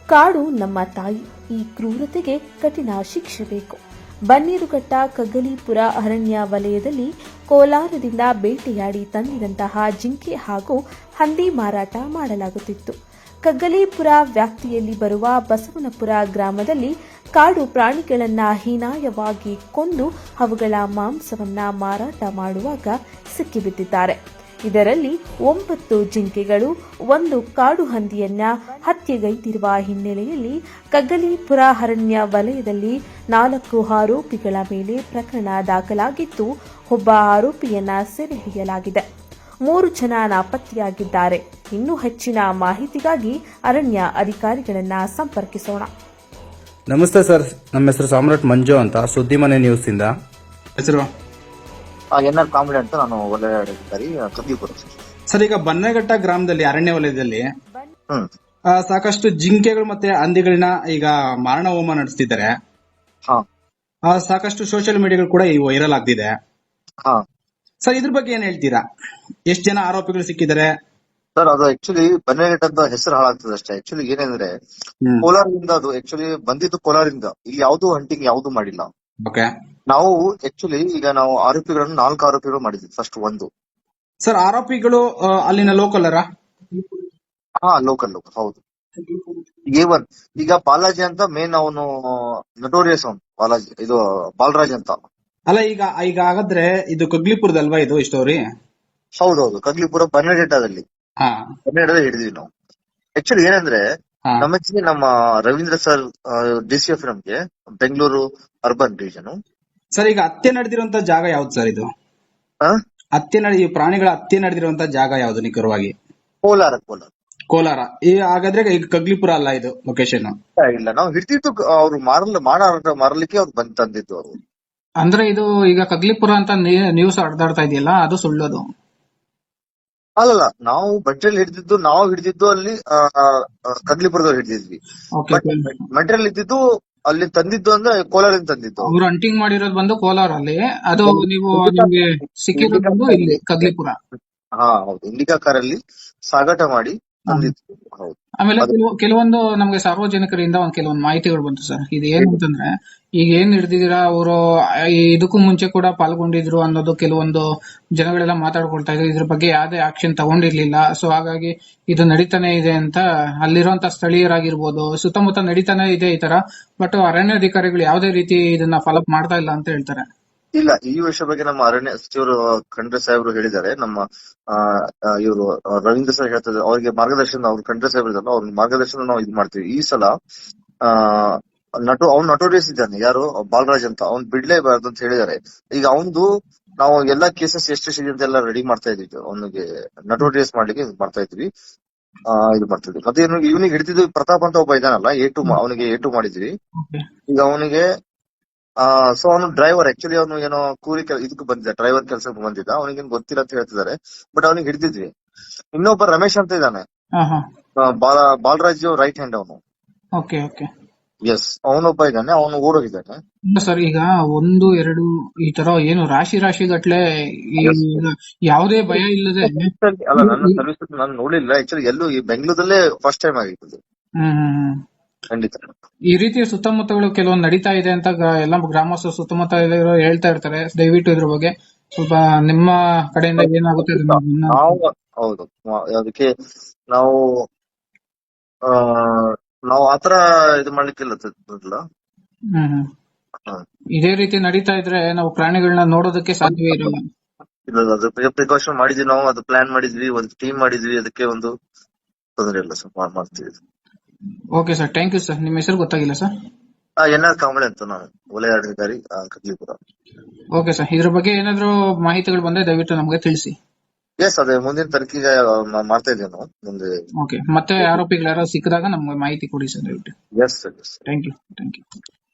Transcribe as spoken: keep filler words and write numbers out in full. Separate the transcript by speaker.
Speaker 1: ಕಾಡು ನಮ್ಮ ತಾಯಿ, ಈ ಕ್ರೂರತೆಗೆ ಕಠಿಣ ಶಿಕ್ಷೆ ಬೇಕು. ಬನ್ನೇರುಘಟ್ಟ ಕಗ್ಗಲೀಪುರ ಅರಣ್ಯ ವಲಯದಲ್ಲಿ ಕೋಲಾರದಿಂದ ಬೇಟೆಯಾಡಿ ತಂದಿದಂತಹ ಜಿಂಕೆ ಹಾಗೂ ಹಂದಿ ಮಾರಾಟ ಮಾಡಲಾಗುತ್ತಿತ್ತು. ಕಗ್ಗಲೀಪುರ ವ್ಯಾಪ್ತಿಯಲ್ಲಿ ಬರುವ ಬಸವನಪುರ ಗ್ರಾಮದಲ್ಲಿ ಕಾಡು ಪ್ರಾಣಿಗಳನ್ನ ಹೀನಾಯವಾಗಿ ಕೊಂದು ಅವುಗಳ ಮಾಂಸವನ್ನ ಮಾರಾಟ ಮಾಡುವಾಗ ಸಿಕ್ಕಿಬಿದ್ದಿದ್ದಾರೆ. ಇದರಲ್ಲಿ ಒಂಬತ್ತು ಜಿಂಕೆಗಳು, ಒಂದು ಕಾಡು ಹಂದಿಯನ್ನ ಹತ್ಯೆಗೈದಿರುವ ಹಿನ್ನೆಲೆಯಲ್ಲಿ ಕಗ್ಗಲೀಪುರ ಅರಣ್ಯ ವಲಯದಲ್ಲಿ ನಾಲ್ಕು ಆರೋಪಿಗಳ ಮೇಲೆ ಪ್ರಕರಣ ದಾಖಲಾಗಿದ್ದು, ಒಬ್ಬ ಆರೋಪಿಯನ್ನ ಸೆರೆ ಹಿಡಿಯಲಾಗಿದೆ. ಮೂರು ಜನ ನಾಪತ್ತೆಯಾಗಿದ್ದಾರೆ. ಇನ್ನೂ ಹೆಚ್ಚಿನ ಮಾಹಿತಿಗಾಗಿ ಅರಣ್ಯ ಅಧಿಕಾರಿಗಳನ್ನ ಸಂಪರ್ಕಿಸೋಣ.
Speaker 2: ನಮಸ್ತೆ ಸರ್, ನಮ್ಮ ಹೆಸರು ಸಾಮ್ರಾಟ್ ಮಂಜು ಅಂತ, ಸುದ್ದಿಮನೆ ನ್ಯೂಸ್ ಇಂದ. ಹೆಸರು
Speaker 3: ಎನ್ ಆರ್ ಕಾಮಿಡಿ ಅಂತ, ನಾನು ವಲಯ ಅಧಿಕಾರಿ ಕಗ್ಗಲೀಪುರ.
Speaker 2: ಸರ್, ಈಗ ಬನ್ನೇಘಟ್ಟ ಗ್ರಾಮದಲ್ಲಿ ಅರಣ್ಯ ವಲಯದಲ್ಲಿ
Speaker 3: ಹ್ಮ್
Speaker 2: ಆ, ಸಾಕಷ್ಟು ಜಿಂಕೆಗಳು ಮತ್ತೆ ಹಂದಿಗಳನ್ನ ಈಗ ಮಾರಣ ಹೋಮ ನಡೆಸ್ತಿದ್ದಾರೆ.
Speaker 3: ಹಾ
Speaker 2: ಆ, ಸಾಕಷ್ಟು ಸೋಷಿಯಲ್ ಮೀಡಿಯಾಗಳು ಕೂಡ ಈ ವೈರಲ್ ಆಗ್ತಿದೆ.
Speaker 3: ಹಾ
Speaker 2: ಸರ್, ಇದ್ರ ಬಗ್ಗೆ ಏನ್ ಹೇಳ್ತೀರಾ? ಎಷ್ಟು ಜನ ಆರೋಪಿಗಳು ಸಿಕ್ಕಿದ್ದಾರೆ?
Speaker 3: ಸರ್, ಅದು ಆಕ್ಚುಲಿ ಬನ್ನೇಘಟ್ಟ ಅಂತ ಹೆಸರು ಹಾಳಾಗ್ತದೆ ಅಷ್ಟೇ. ಆಕ್ಚುಲಿ ಏನಂದ್ರೆ
Speaker 2: ಹ್ಮ್.
Speaker 3: ಕೋಲಾರದಿಂದ ಅದು ಆಕ್ಚುಲಿ ಬಂದಿದ್ದು ಕೋಲಾರದಿಂದ. ಇಲ್ಲಿ ಯಾವ್ದು ಹಂಟಿಂಗ್ ಯಾವ್ದು ಮಾಡಿಲ್ಲ.
Speaker 2: ಓಕೆ
Speaker 3: ನಾವು ಆಕ್ಚುಲಿ ಈಗ ನಾವು ಆರೋಪಿಗಳನ್ನು ನಾಲ್ಕು ಆರೋಪಿಗಳು ಮಾಡಿದ್ವಿ. ಫಸ್ಟ್ ಒಂದು
Speaker 2: ಸರ್, ಆರೋಪಿಗಳು ಆ, ಅಲ್ಲಿನ ಲೋಕಲರ?
Speaker 3: ಹಾ ಲೋಕಲ್ ಲೋಕಲ್ ಹೌದು. ಎ ಒನ್ ಈಗ ಬಾಲಾಜಿ ಅಂತ ಮೇನ್ ಅವನು ನಟೋರಿಯಸ್, ಅವನು ಬಾಲಾಜಿ, ಇದು ಬಾಲರಾಜ್ ಅಂತ.
Speaker 2: ಅಲ್ಲ, ಈಗ ಈಗ ಹಾಗಾದ್ರೆ ಇದು ಕಗ್ಲಿಪುರದಲ್ವಾ ಇದು ಸ್ಟೋರಿ?
Speaker 3: ಹೌದೌದು, ಕಗ್ಲಿಪುರ ಬನ್ನೇಘಟ್ಟದಲ್ಲಿ
Speaker 2: ಹಾ
Speaker 3: ಬನ್ನೇಘಟ್ಟದಲ್ಲಿ ಹಿಡಿದ್ವಿ ನಾವು. ಆಕ್ಚುಲಿ ಏನಂದ್ರೆ
Speaker 2: ಹಾ
Speaker 3: ನಮಗೆ ನಮ್ಮ Ravindra sir D C F ನಮ್ಗೆ ಬೆಂಗಳೂರು ಅರ್ಬನ್ ರೀಜನ್.
Speaker 2: ಸರ್, ಈಗ ಹತ್ಯೆ ನಡೆದಿರುವಂತ ಜಾಗ ಯಾವ್ದು ಸರ್? ಇದು ಹತ್ಯೆ ನಡೆ ಈ ಪ್ರಾಣಿಗಳ ಹತ್ಯೆ ನಡೆದಿರುವಂತ ಜಾಗ ಯಾವ್ದು ನಿಖರವಾಗಿ?
Speaker 3: ಕೋಲಾರ ಕೋಲಾರ
Speaker 2: ಕೋಲಾರ. ಈ ಹಾಗಾದ್ರೆ ಈಗ ಕಗ್ಲಿಪುರ ಅಲ್ಲ ಇದು ಲೊಕೇಶನ್?
Speaker 3: ಇಲ್ಲ, ನಾವು ಹಿಡಿದಿದ್ದು ಅವ್ರು ಮಾರಲ್ ಮಾರಾಟ ಮಾರಲಿಕ್ಕೆ ಅವ್ರು ಬಂದ್ ತಂದಿದ್ದು ಅವರು.
Speaker 4: ಅಂದ್ರೆ ಇದು ಈಗ ಕಗ್ಲಿಪುರ ಅಂತ ನ್ಯೂಸ್ ಹರಿದಾಡ್ತಾ ಇದೆಯಲ್ಲ, ಅದು ಸುಳ್ಳದು?
Speaker 3: ಅಲ್ಲಲ್ಲ, ನಾವು ಬಂಟ್ರಲ್ಲಿ ಹಿಡಿದಿದ್ದು ನಾವು ಹಿಡಿದಿದ್ದು ಅಲ್ಲಿ ಕಗ್ಲಿಪುರದವ್ರು ಹಿಡಿದಿದ್ವಿ.
Speaker 4: ಓಕೆ.
Speaker 3: ಬಟ್ ಮೆಟೀರಿಯಲ್ ಇದ್ದಿದ್ದು ಅಲ್ಲಿ ತಂದಿದ್ದು ಅಂದ್ರೆ ಕೋಲಾರದಿಂದ ತಂದಿದ್ದು.
Speaker 4: ಅವ್ರು ಹಂಟಿಂಗ್ ಮಾಡಿರೋದು ಬಂದು ಕೋಲಾರಲ್ಲಿ, ಅದು ನೀವು ನಿಮ್ಗೆ ಸಿಕ್ಕಿರೋದು ಬಂದು ಇಲ್ಲಿ ಕಗ್ಲಿಪುರ.
Speaker 3: ಹಾ ಹೌದು, ಇಂಡಿಕಾ ಕಾರಲ್ಲಿ ಸಾಗಾಟ ಮಾಡಿ ತಂದಿದ್ದು. ಹೌದು.
Speaker 4: ಆಮೇಲೆ ಕೆಲವು- ಕೆಲವೊಂದು ನಮ್ಗೆ ಸಾರ್ವಜನಿಕರಿಂದ ಒಂದ್ ಕೆಲವೊಂದು ಮಾಹಿತಿಗಳು ಬಂತು ಸರ್. ಇದು ಏನು ಅಂತಂದ್ರೆ, ಈಗ ಏನ್ ಹಿಡ್ದಿದ್ದೀರಾ ಅವರು ಇದಕ್ಕೂ ಮುಂಚೆ ಕೂಡ ಪಾಲ್ಗೊಂಡಿದ್ರು ಅನ್ನೋದು ಕೆಲವೊಂದು ಜನಗಳೆಲ್ಲ ಮಾತಾಡ್ಕೊಳ್ತಾ ಇದ್ರು. ಇದ್ರ ಬಗ್ಗೆ ಯಾವ್ದೇ ಆಕ್ಷನ್ ತಗೊಂಡಿರ್ಲಿಲ್ಲ. ಸೊ ಹಾಗಾಗಿ ಇದು ನಡೀತಾನೆ ಇದೆ ಅಂತ ಅಲ್ಲಿರುವಂತ ಸ್ಥಳೀಯರಾಗಿರ್ಬೋದು, ಸುತ್ತಮುತ್ತ ನಡೀತಾನೆ ಇದೆ ಈ ತರ. ಬಟ್ ಅರಣ್ಯಾಧಿಕಾರಿಗಳು ಯಾವ್ದೇ ರೀತಿ ಇದನ್ನ ಫಾಲೋಅಪ್ ಮಾಡ್ತಾ ಇಲ್ಲ ಅಂತ ಹೇಳ್ತಾರೆ.
Speaker 3: ಇಲ್ಲ, ಈ ವಿಷಯ ಬಗ್ಗೆ ನಮ್ಮ ಅರಣ್ಯ ಸಚಿವರು ಖಂಡ್ರೆ ಸಾಹೇಬರು ಹೇಳಿದ್ದಾರೆ. ನಮ್ಮ ಇವರು ರವೀಂದ್ರ ಸರ್ ಹೇಳ್ತಾರೆ, ಅವ್ರಿಗೆ ಮಾರ್ಗದರ್ಶನ, ಅವ್ರು ಖಂಡ್ರೆ ಸಾಹೇಬ್ ಇದಾರಲ್ಲ, ಅವ್ರ ಮಾರ್ಗದರ್ಶನ ನಾವು ಇದು ಮಾಡ್ತೀವಿ. ಈ ಸಲ ಆ ನಟು ಅವ್ನು ನಟೋರಿಯಸ್ ಇದ್ದಾನೆ, ಯಾರು ಬಾಲರಾಜ್ ಅಂತ, ಅವ್ನ್ ಬಿಡ್ಲೇಬಾರ್ದು ಅಂತ ಹೇಳಿದ್ದಾರೆ. ಈಗ ಅವನ್ದು ನಾವು ಎಲ್ಲಾ ಕೇಸಸ್ ಎಷ್ಟು ಇದೆ ಅಂತೆಲ್ಲ ರೆಡಿ ಮಾಡ್ತಾ ಇದೀವಿ. ಅವನಿಗೆ ನಟೋರಿಯಸ್ ಮಾಡ್ಲಿಕ್ಕೆ ಇದು ಮಾಡ್ತಾ ಇದ್ವಿ ಆ ಇದು ಮಾಡ್ತಿದ್ವಿ. ಮತ್ತೆ ಇವನಿಗೆ ಹಿಡಿದಿದ್ದು ಪ್ರತಾಪ್ ಅಂತ ಒಬ್ಬ ಇದಾನಲ್ಲ, ಎ ಟು ಅವನಿಗೆ ಎ ಟು ಮಾಡಿದ್ವಿ. ಈಗ ಅವನಿಗೆ ಆ ಸೊ ಅವನು ಡ್ರೈವರ್, ಆಕ್ಚುಲಿ ಅವನು ಏನೋ ಕೂಲಿ ಇದಕ್ಕೆ ಬಂದಿದ್ದ, ಡ್ರೈವರ್ ಕೆಲಸಕ್ಕೆ ಬಂದಿದ್ದ. ಅವನಿಗೇನು ಗೊತ್ತಿಲ್ಲ ಅಂತ ಹೇಳ್ತಿದ್ದಾರೆ, ಬಟ್ ಅವನಿಗೆ ಹಿಡಿದಿದ್ವಿ. ಇನ್ನೊಬ್ಬ ರಮೇಶ್ ಅಂತ ಇದ್ದಾನೆ, ಬಾಲ ಬಾಲರಾಜ್ ರೈಟ್ ಹ್ಯಾಂಡ್ ಅವನು.
Speaker 4: ಓಕೆ ಓಕೆ
Speaker 3: ಎಸ್, ಅವನೊಬ್ಬ ಇದ್ದಾನೆ, ಅವನು ಓಡೋಗಿದ್ದಾನೆ.
Speaker 4: ಸರ್, ಈಗ ಒಂದು ಎರಡು ಈ ತರ ಏನು ರಾಶಿ ರಾಶಿ ಗಟ್ಲೆ ಯಾವುದೇ ಭಯ ಇಲ್ಲದೆ.
Speaker 3: ಅಲ್ಲ, ನನ್ನ ಸರ್ವಿಸ್ ನಾನು ನೋಡಿಲ್ಲ ಆಕ್ಚುಲಿ, ಎಲ್ಲೂ ಈ ಬೆಂಗಳೂರಲ್ಲೇ ಫಸ್ಟ್ ಟೈಮ್ ಆಗಿತ್ತು.
Speaker 4: ಹ್ಮ್
Speaker 3: ಖಂಡಿತ
Speaker 4: ಈ ರೀತಿಯ ಸುತ್ತಮುತ್ತಗಳು ಕೆಲವೊಂದು ನಡೀತಾ ಇದೆ ಅಂತ ಎಲ್ಲ ಗ್ರಾಮಸ್ಥರು ಸುತ್ತಮುತ್ತ ಹೇಳ್ತಾ ಇರ್ತಾರೆ. ದಯವಿಟ್ಟು ಇದ್ರ ಬಗ್ಗೆ ಸ್ವಲ್ಪ ನಿಮ್ಮ ಕಡೆಯಿಂದ ಏನಾಗುತ್ತೆ
Speaker 3: ನಾವು ಹೌದು, ಅದಕ್ಕೆ ನಾವು ಆ ನಾವು ಆತರ ಇದು ಮಾಡ್ಲಿಕ್ಕಿಲ್ಲ.
Speaker 4: ಹ್ಮ್ ಇದೇ ರೀತಿ ನಡೀತಾ ಇದ್ರೆ ನಾವು ಪ್ರಾಣಿಗಳನ್ನ ನೋಡೋದಕ್ಕೆ ಸಾಧ್ಯವೇ ಇರಲ್ಲ.
Speaker 3: ಇಲ್ಲ, ಅದು ಪ್ರಿಕಾಷನ್ ಮಾಡಿದ್ವಿ ನಾವು, ಅದು ಪ್ಲಾನ್ ಮಾಡಿದ್ವಿ, ಒಂದು ಟೀಮ್ ಮಾಡಿದ್ವಿ, ಅದಕ್ಕೆ ಒಂದು ತೊಂದರೆ ಇಲ್ಲ ಸರ್, ಮಾಡ್ತೀವಿ.
Speaker 4: Okay sir, thank you sir. ನಿಮ್ಮ ಹೆಸರು ಗೊತ್ತಾಗಿಲ್ಲ ಸರ್?
Speaker 3: ಎನ್ ಆರ್ ಕಾಮಿಡಿ ಅಂತ, ನಾನು ವಲಯ ಅಧಿಕಾರಿ ಕಗ್ಲಿಪುರ.
Speaker 4: ಓಕೆ ಸರ್, ಇದ್ರ ಬಗ್ಗೆ ಏನಾದ್ರು ಮಾಹಿತಿಗಳು ಬಂದ್ರೆ ದಯವಿಟ್ಟು ನಮಗೆ ತಿಳಿಸಿ.
Speaker 3: ಎಸ್, ಅದೇ ಮುಂದಿನ ತನಿಖೆಗೆ ಮಾಡ್ತಾ ಇದ್ದೇವೆ ನಾವು ಮುಂದೆ.
Speaker 4: ಓಕೆ, ಮತ್ತೆ ಆರೋಪಿಗಳು ಯಾರೋ ಸಿಕ್ಕಿದಾಗ ನಮ್ಗೆ ಮಾಹಿತಿ ಕೊಡಿ ಸರ್ ದಯವಿಟ್ಟು.
Speaker 3: Yes sir, yes.
Speaker 4: Thank you thank you